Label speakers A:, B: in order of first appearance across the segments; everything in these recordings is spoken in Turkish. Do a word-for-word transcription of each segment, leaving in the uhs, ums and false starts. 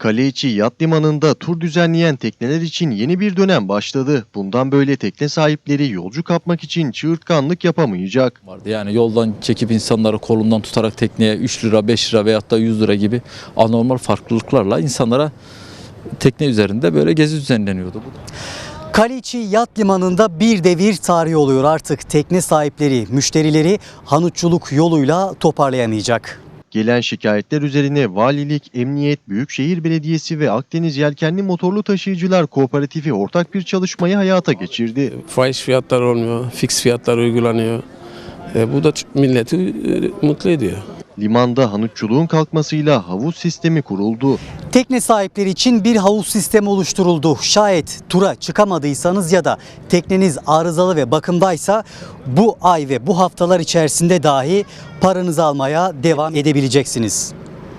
A: Kaleiçi Yat Limanı'nda tur düzenleyen tekneler için yeni bir dönem başladı. Bundan böyle tekne sahipleri yolcu kapmak için çığırtkanlık yapamayacak.
B: Vardı. Yani yoldan çekip insanları kolundan tutarak tekneye üç lira, beş lira veyahut da yüz lira gibi anormal farklılıklarla insanlara tekne üzerinde böyle gezi düzenleniyordu.
C: Kaleiçi Yat Limanı'nda bir devir tarih oluyor. Artık tekne sahipleri, müşterileri hanutçuluk yoluyla toparlayamayacak.
A: Gelen şikayetler üzerine Valilik, Emniyet, Büyükşehir Belediyesi ve Akdeniz Yelkenli Motorlu Taşıyıcılar Kooperatifi ortak bir çalışmayı hayata geçirdi.
D: Fahiş fiyatlar olmuyor, fix fiyatlar uygulanıyor. E, bu da milleti e, mutlu ediyor.
A: Limanda hanutçuluğun kalkmasıyla havuz sistemi kuruldu.
C: Tekne sahipleri için bir havuz sistemi oluşturuldu. Şayet tura çıkamadıysanız ya da tekneniz arızalı ve bakımdaysa bu ay ve bu haftalar içerisinde dahi paranızı almaya devam edebileceksiniz.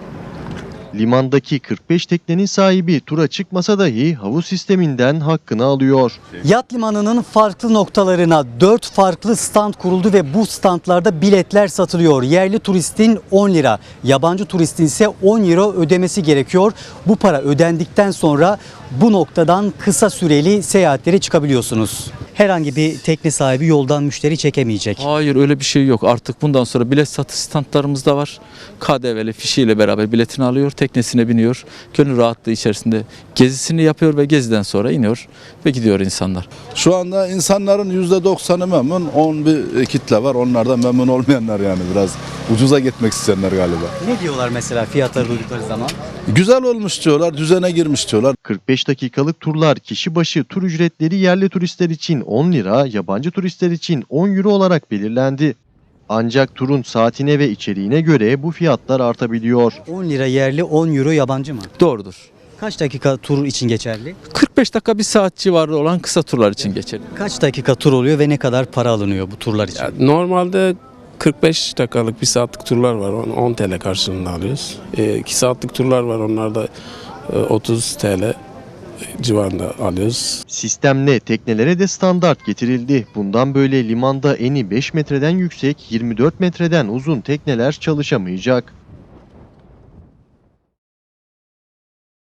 A: Limandaki kırk beş teknenin sahibi tura çıkmasa dahi havuz sisteminden hakkını alıyor.
C: Yat limanının farklı noktalarına dört farklı stand kuruldu ve bu standlarda biletler satılıyor. Yerli turistin on lira, yabancı turistin ise on euro ödemesi gerekiyor. Bu para ödendikten sonra bu noktadan kısa süreli seyahatlere çıkabiliyorsunuz. Herhangi bir tekne sahibi yoldan müşteri çekemeyecek.
B: Hayır, öyle bir şey yok. Artık bundan sonra bilet satış standlarımız da var. K D V'li fişiyle beraber biletini alıyor, teknesine biniyor. Gönül rahatlığı içerisinde gezisini yapıyor ve geziden sonra iniyor ve gidiyor insanlar.
E: Şu anda insanların yüzde doksanı memnun, on bir kitle var. Onlardan memnun olmayanlar, yani biraz ucuza gitmek isteyenler galiba.
C: Ne diyorlar mesela fiyatları duydukları zaman?
E: Güzel olmuş diyorlar, düzene girmiş diyorlar.
A: kırk beş dakikalık turlar kişi başı tur ücretleri yerli turistler için on lira, yabancı turistler için on euro olarak belirlendi. Ancak turun saatine ve içeriğine göre bu fiyatlar artabiliyor.
C: on lira yerli, on euro yabancı mı?
B: Doğrudur.
C: Kaç dakika tur için geçerli?
B: kırk beş dakika bir saat civarı olan kısa turlar için geçerli.
C: Kaç dakika tur oluyor ve ne kadar para alınıyor bu turlar için?
D: Ya, normalde kırk beş dakikalık bir saatlik turlar var. on T L karşılığında alıyoruz. iki saatlik turlar var. Onlarda otuz T L civarında alıyoruz.
A: Sistemle teknelere de standart getirildi. Bundan böyle limanda eni beş metreden yüksek, yirmi dört metreden uzun tekneler çalışamayacak.